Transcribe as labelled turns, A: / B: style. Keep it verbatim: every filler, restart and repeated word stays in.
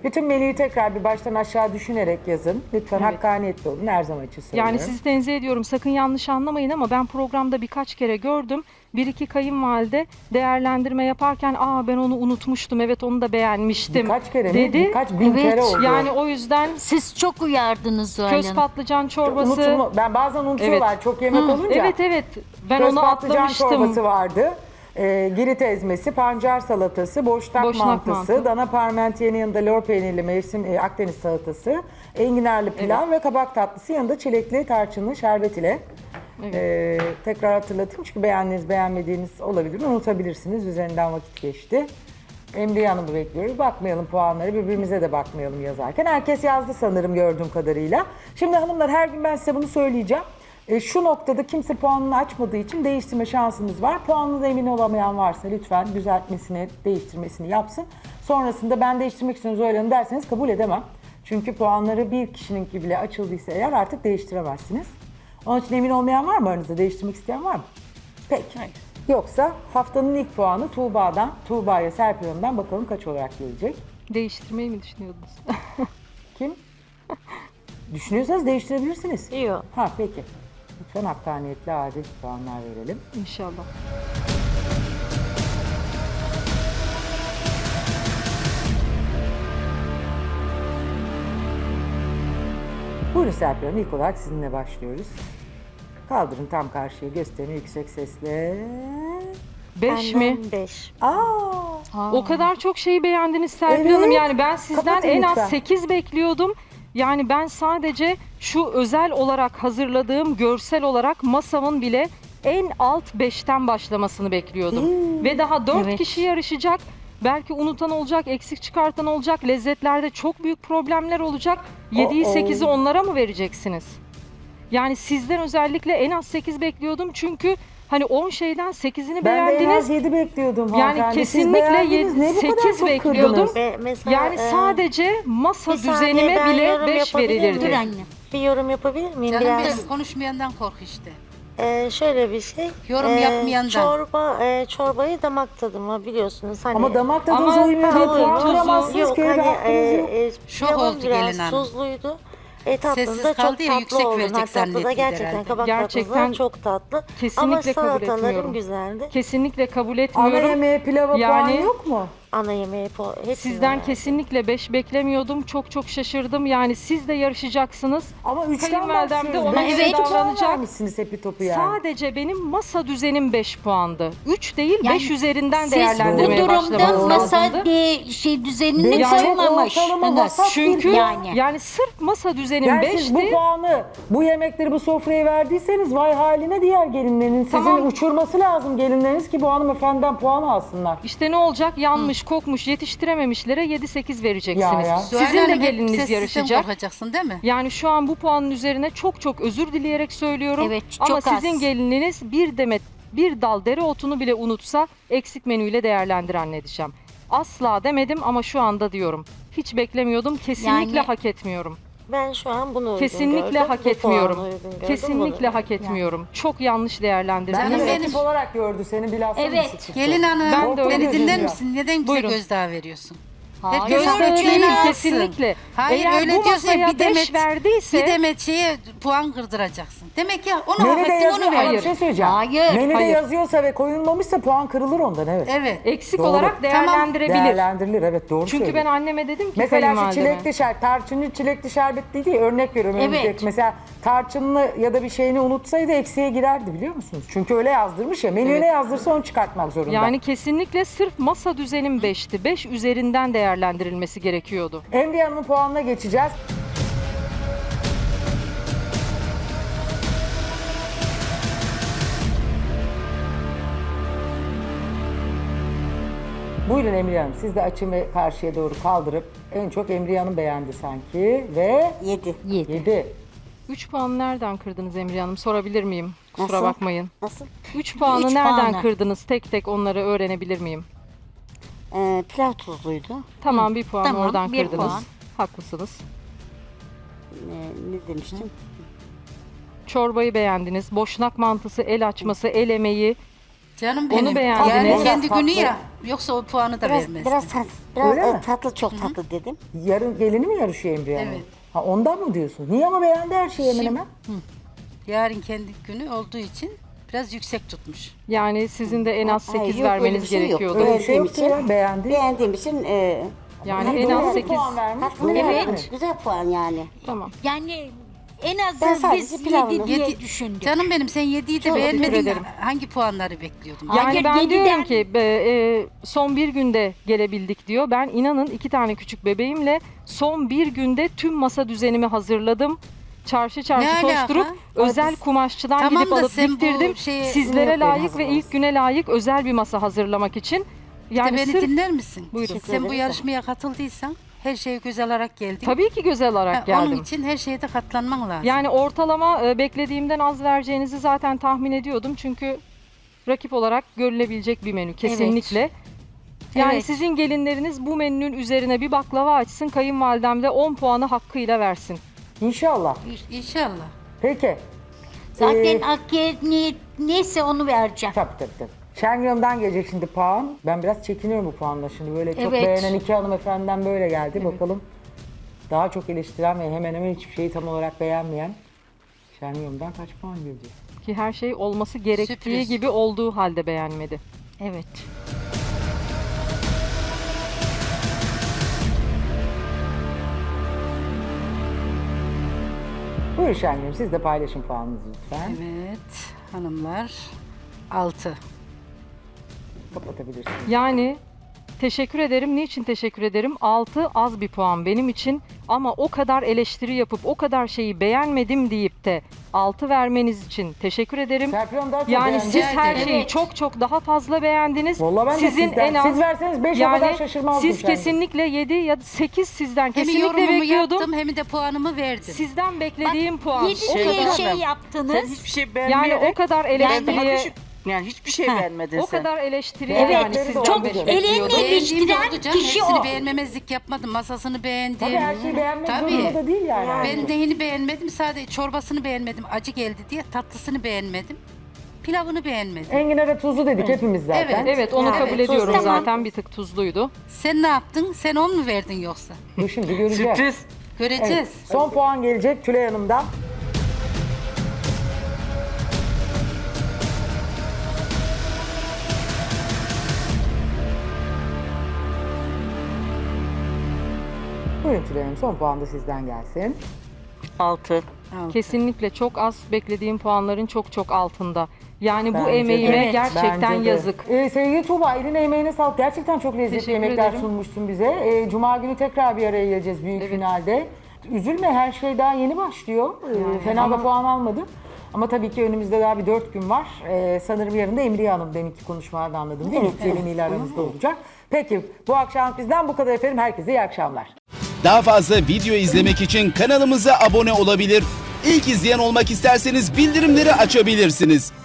A: Bütün menüyü tekrar bir baştan aşağı düşünerek yazın. Lütfen
B: Evet.
A: hakkaniyetli olun. Her zaman için söylüyorum.
B: Yani sizi tenzih ediyorum. Sakın yanlış anlamayın ama ben programda birkaç kere gördüm. Bir iki kayınvalide değerlendirme yaparken aa ben onu unutmuştum. Evet onu da beğenmiştim.
A: Birkaç kere mi?
B: dedi.
A: Birkaç bin
C: Evet,
A: kere oldu.
B: Yani o yüzden
C: Siz çok uyardınız Zuhal
B: köz
C: Hanım.
B: patlıcan çorbası.
A: Unutulma, ben bazen unutuyorlar
B: Evet.
A: çok yemek
B: Hı,
A: olunca.
B: Evet evet. Ben
A: Köz
B: onu
A: patlıcan
B: atlamıştım.
A: çorbası vardı. E, girit ezmesi, pancar salatası, boşnak,
B: Boşnak
A: mantısı,
B: mantı.
A: dana parmentiyenin yanında lor peynirli mevsim e, Akdeniz salatası, enginarlı pilav ve kabak tatlısı yanında çilekli tarçınlı şerbet ile.
B: Evet.
A: E, tekrar hatırlatayım çünkü beğendiğiniz beğenmediğiniz olabilir, unutabilirsiniz. Üzerinden vakit geçti. Emriye Hanım'ı bekliyoruz. Bakmayalım puanları, birbirimize de bakmayalım yazarken. Herkes yazdı sanırım gördüğüm kadarıyla. Şimdi hanımlar her gün ben size bunu söyleyeceğim. E, şu noktada kimse puanını açmadığı için değiştirme şansınız var. Puanınıza emin olamayan varsa lütfen düzeltmesini, değiştirmesini yapsın. Sonrasında ben değiştirmek istiyorum Zuhal Hanım derseniz kabul edemem. Çünkü puanları bir kişininki bile açıldıysa eğer artık değiştiremezsiniz. Onun için emin olmayan var mı aranızda? Değiştirmek isteyen var mı? Peki.
B: Hayır.
A: Yoksa haftanın ilk puanı Tuğba'dan, Tuğba'ya Serpil Hanım'dan bakalım kaç olarak gelecek?
B: Değiştirmeyi mi düşünüyordunuz?
A: Kim? Düşünüyorsanız değiştirebilirsiniz.
C: Yok.
A: Ha peki. Lütfen hakkaniyetli, adil puanlar verelim.
B: İnşallah.
A: Buyurun Serpil Hanım, ilk olarak sizinle başlıyoruz. Kaldırın tam karşıya, gösterin yüksek sesle.
B: Beş mi?
C: beş.
A: Aa,
B: O kadar çok şeyi beğendiniz Serpil
A: Evet.
B: Hanım. Yani ben sizden
A: Kapatın
B: en
A: lütfen.
B: az sekiz bekliyordum. Yani ben sadece şu özel olarak hazırladığım görsel olarak masamın bile en alt beşten başlamasını bekliyordum. Ve daha dört
C: Evet.
B: kişi yarışacak. Belki unutan olacak, eksik çıkartan olacak. Lezzetlerde çok büyük problemler olacak. yediyi
A: Oh, oh.
B: sekizi onlara mı vereceksiniz? Yani sizden özellikle en az sekiz bekliyordum. Çünkü hani on şeyden sekizini
A: ben de en
B: beğendiniz.
A: az yedi bekliyordum
B: Yani
A: hanımefendi. Siz
B: kesinlikle
A: beğendiniz. Ne bu kadar
B: sekiz
A: çok
B: bekliyordum.
A: kırdınız?
D: Ve mesela,
B: Yani
D: e,
B: sadece masa
D: bir saniye,
B: düzenime
D: ben
B: bile
D: yorum
B: beş
D: yapabilir miyim?
B: verilirdi.
C: Dur anne.
D: Bir yorum yapabilir miyim?
E: Canım
D: Biraz
E: benim konuşmayandan kork işte.
D: e, şöyle bir şey.
E: Yorum yapmayandan.
D: Çorba, e, çorbayı damak tadıma biliyorsunuz. Hani,
A: Ama damak tadınıza
B: Ama
A: uymuyor.
B: tadı,
A: Puan
B: tuzu-
A: kıramazsınız
D: yok
A: ki, öyle bir
D: hani
A: hakkınız
D: e,
A: yok.
D: e,
E: Şok
D: pilavın
E: oldu
D: biraz
E: gelin hanım.
D: tuzluydu. E, tatlında
E: Sessiz
D: çok
E: kaldı ya,
D: tatlı
E: yüksek
D: oldu.
E: verecek
D: Ha, tatlı da
E: zannetti
D: gerçekten
E: herhalde.
D: kabak
B: Gerçekten
D: tatlısı çok tatlı. Ama
B: kesinlikle kabul
D: salatalarım
B: etmiyorum.
D: güzeldi.
B: Kesinlikle kabul
A: Ana
B: etmiyorum.
A: yemeğe pilava
B: Yani-
A: puan yok mu?
D: Ana yemeği po- hepsini
B: Sizden
D: verdim.
B: kesinlikle beş beklemiyordum. Çok çok şaşırdım. Yani siz de yarışacaksınız.
A: Ama üçten
B: Kayınvalidem de
A: başlıyoruz.
B: ona
A: Beş
C: göre
A: iki puan
B: davranacak.
A: vermişsiniz hepi topu yani.
B: Sadece benim masa düzenim beş puandı. üç değil
C: Yani
B: beş üzerinden
C: Siz bu
B: değerlendirmeye
C: durumda
B: başlamanız
C: masa
B: lazımdı.
C: de, şey düzenini
A: Benim
C: koymamış.
A: ortalama
C: Evet.
A: vasat bir
B: Çünkü
C: Yani.
B: yani. sırf masa düzenim
A: Yani siz bu
B: beşti.
A: puanı, bu yemekleri bu sofraya verdiyseniz vay haline diğer gelinlerin. Sizin
B: Tamam.
A: uçurması lazım gelinleriniz ki bu hanımefendiden puan alsınlar.
B: İşte ne olacak? Yanmış, kokmuş, yetiştirememişlere yedi sekiz vereceksiniz.
A: Ya, ya.
B: Sizin de
E: Zuhal Hanım, hep
B: gelininiz
E: sessizden
B: yarışacak.
E: korkacaksın değil mi?
B: Yani şu an bu puanın üzerine çok çok özür dileyerek söylüyorum.
C: Evet,
B: Ama
C: çok az.
B: sizin gelininiz bir demet, bir dal dereotunu bile unutsa eksik menüyle değerlendir anne diyeceğim. Asla demedim ama şu anda diyorum. Hiç beklemiyordum. Kesinlikle
C: Yani-
B: hak etmiyorum.
D: Ben şu an bunu uygun
B: Kesinlikle
D: gördüm.
B: hak
D: Bu
B: etmiyorum.
D: puanı uygun gördüm,
B: Kesinlikle
D: bunu.
B: hak etmiyorum. Çok yanlış değerlendirdiniz.
A: Ben
E: Canım
A: de
E: benim.
A: ekip olarak gördü seni bilhassa
C: Evet.
A: düşük çıktı.
E: Gelin hanım
B: Ben de öyle
E: beni dinler
A: düşünüyorum.
E: misin? Neden bize
B: Buyurun.
E: gözdağı veriyorsun?
C: Hayır.
E: Herkes
B: Gözdağı
E: ölçeğini
B: değil
E: alsın.
B: kesinlikle.
E: Hayır
B: Eğer
E: öyle
B: bu
E: diyorsun ya,
B: masaya
E: bir
B: beş
E: demet,
B: verdiyse
E: bir demet şeye puan kırdıracaksın. Demek ya onu hak
A: Menüde
E: ettin
A: yazıyor
E: onu
A: ama
E: ver.
A: bir şey söyleyeceğim.
C: Hayır,
A: Menüde
B: hayır.
A: yazıyorsa ve koyulmamışsa puan kırılır ondan evet.
E: Evet.
B: eksik
A: Doğru.
B: olarak
E: Tamam,
B: değerlendirebilir.
A: Değerlendirilir evet doğru
B: Çünkü
A: söylüyor.
B: ben anneme dedim ki
A: Mesela şu
B: kayınvalideme.
A: çilekli şerbet, tarçınlı çilekli şerbet değil diye örnek veriyorum.
C: Evet.
A: önümüzdeki. Mesela tarçınlı ya da bir şeyini unutsaydı eksiğe girerdi biliyor musunuz? Çünkü öyle yazdırmış ya. Menüye ne yazdırsa onu çıkartmak zorunda.
B: Yani kesinlikle sırf masa düzenim beşti. beş üzerinden değerlendirilmesi gerekiyordu.
A: Emriye Hanım'ın puanına geçeceğiz. Buyurun Emriye Hanım. Siz de açın ve karşıya doğru kaldırıp en çok Emriye Hanım beğendi sanki ve
D: Yedi.
C: Yedi.
A: yedi.
B: üç puanı nereden kırdınız Emriye Hanım? Sorabilir miyim? Kusura
D: Nasıl?
B: bakmayın.
D: Nasıl?
B: üç puanı
C: Üç
B: nereden
C: puanı.
B: kırdınız? Tek tek onları öğrenebilir miyim?
D: Ee, pilav tuzluydu.
B: Tamam bir puan
C: Tamam,
B: oradan
C: bir
B: kırdınız.
C: puan.
B: Haklısınız.
D: Ee, ne demiştim?
B: Çorbayı beğendiniz. Boşnak mantısı, el açması, el emeği
E: Canım
B: Onu
E: benim.
B: beğendiniz.
E: Yani
A: Biraz
E: kendi
A: tatlı.
E: günü ya. Yoksa o puanı da
D: Biraz,
E: vermez.
D: biraz, tat, biraz
A: Öyle
D: e,
A: mi?
D: tatlı, çok tatlı dedim.
A: Yarın gelini mi yarışıyor Emriye Hanım?
E: Evet.
A: Ha, ondan mı diyorsun? Niye ama beğendi her şeyi hemen
E: Şimdi-
A: hemen?
E: Yarın kendi günü olduğu için biraz yüksek tutmuş.
B: Yani sizin de en az
D: Hayır,
B: sekiz
D: yok, öyle
B: vermeniz
D: bir şey yok.
B: gerekiyordu.
A: Öyle bir şey
D: Beğendiğim
A: yoktu
D: için-
A: ya, beğendi.
D: Beğendiğim için e,
B: Yani
A: Ha,
B: en
A: doğru
B: az
A: bir
B: sekiz.
A: puan vermiş.
D: hakkını
A: Doğru
D: verdim.
A: yani.
D: Güzel puan yani.
B: Tamam.
C: Yani en
D: Ben
C: azı
D: sadece
C: biz
D: pilavını-
C: yedi diye
E: Yedi-
C: düşündük.
E: Canım benim sen yediyi de
B: Çok teşekkür
E: beğenmedin.
B: ederim.
E: Hangi puanları bekliyordun?
B: Yani
C: Hayır,
B: ben
C: yediden-
B: diyorum ki be, e, son bir günde gelebildik diyor. Ben inanın iki tane küçük bebeğimle son bir günde tüm masa düzenimi hazırladım. Çarşı çarşı
E: Ne alaka?
B: koşturup özel kumaşçıdan
E: Tamam
B: gidip
E: da
B: alıp
E: sen bu
B: diktirdim.
E: şeye-
B: Sizlere
A: Yok,
B: layık
A: benim
B: ve ilk güne layık özel bir masa hazırlamak için.
E: Yani
B: Yani
E: beni
B: sırf
E: dinler misin?
B: Buyurun.
E: Sen bu yarışmaya katıldıysan her şeye göz alarak geldin.
B: tabii ki göze alarak
E: Ha,
B: geldim.
E: Onun için her şeye de katlanman lazım.
B: Yani ortalama e, beklediğimden az vereceğinizi zaten tahmin ediyordum. Çünkü rakip olarak görülebilecek bir menü kesinlikle. Yani
C: Evet.
B: sizin gelinleriniz bu menünün üzerine bir baklava açsın, kayınvalidem de on puanı hakkıyla versin.
A: İnşallah.
E: İ- İnşallah.
A: Peki.
C: Zaten
A: Ee,
C: Hakkı ne, neyse onu vereceğim.
A: Tabii tabii tabii. Şengül Hanım'dan gelecek şimdi puan. Ben biraz çekiniyorum bu puanla şimdi. Böyle çok
C: Evet.
A: beğenen iki hanımefendiden böyle geldi. Bakalım daha çok eleştiren ve hemen hemen hiçbir şeyi tam olarak beğenmeyen Şengül Hanım'dan kaç puan gelecek?
B: Ki her şey olması gerektiği
E: Sürpriz.
B: gibi olduğu halde beğenmedi.
C: Evet.
A: Buyurun Şengül Hanım, siz de paylaşın puanınızı lütfen.
E: Evet hanımlar. Altı.
A: Kapatabilirsiniz.
B: Yani teşekkür ederim. Niçin teşekkür ederim? altı az bir puan benim için. Ama o kadar eleştiri yapıp o kadar şeyi beğenmedim deyip de altı vermeniz için teşekkür ederim.
A: Serpil Hanım daha çok
B: Yani
A: beğendi.
B: siz her
E: Evet.
B: şeyi çok çok daha fazla beğendiniz.
A: Vallahi ben de
B: Sizin
A: sizden-
B: en az
A: siz verseniz beş o
B: yani
A: kadar şaşırmazdım
B: siz
A: Şengül.
B: kesinlikle yedi ya da sekiz sizden
E: Hem
B: kesinlikle
E: yorumumu
B: bekliyordum.
E: yaptım hem de puanımı verdim.
B: Sizden beklediğim puan
C: Yedi
B: o
C: diye
B: kadar
C: şey
F: Sen
C: yaptınız.
F: hiçbir şey
B: yani
F: beğenmeyerek
B: o kadar
F: ben daha
B: eleştiriye
F: düşük. Yani hiçbir şey
C: Ha,
F: beğenmedin
B: o
F: sen.
B: kadar eleştiriye
A: Evet,
B: yani
A: çok
B: sizden
A: çok
B: bekliyordum.
C: eleştiri-
E: Beğendiğim de
C: eleştiren
E: oldu canım.
C: kişi
E: Hepsini
C: o.
E: beğenmemezlik yapmadım. Masasını beğendim.
A: Tabii her şeyi beğenmek
E: Tabii.
A: zorunda da değil yani.
E: Ben neyini beğenmedim? Sadece çorbasını beğenmedim. Acı geldi diye. Tatlısını beğenmedim. Pilavını beğenmedim.
A: Enginar'a tuzlu dedik hepimiz zaten.
E: Evet.
B: Evet onu
E: Evet,
B: kabul ediyorum
C: tamam.
B: zaten bir tık tuzluydu.
E: Sen ne yaptın? Sen on mu verdin yoksa?
A: Bu şimdi göreceğiz.
F: Sürpriz.
E: Göreceğiz.
A: Evet. Son puan gelecek Tülay Hanım'dan. Buyurun Tülay Hanım, son puan da sizden gelsin.
F: Altı.
E: Altı.
B: Kesinlikle çok az beklediğim puanların çok çok altında. Yani bu
A: Bence de.
B: emeğime
A: Evet,
B: gerçekten
A: bence de.
B: yazık.
A: Ee, sevgili Tuğba, eline emeğine sağlık. Gerçekten çok lezzetli
B: Teşekkür
A: yemekler
B: ederim.
A: sunmuşsun bize. Ee, Cuma günü tekrar bir araya geleceğiz büyük
B: Evet.
A: finalde. Üzülme, her şey daha yeni başlıyor. Ee, fena
B: ama-
A: da puan almadı. Ama tabii ki önümüzde daha bir dört gün var. Ee, sanırım yarın da Emriye Hanım deminki konuşmalardan anladım değil mi? Geliniyle aramızda olacak. Peki bu akşam bizden bu kadar efendim. Herkese iyi akşamlar.
G: Daha fazla video izlemek için kanalımıza abone olabilir. İlk izleyen olmak isterseniz bildirimleri açabilirsiniz.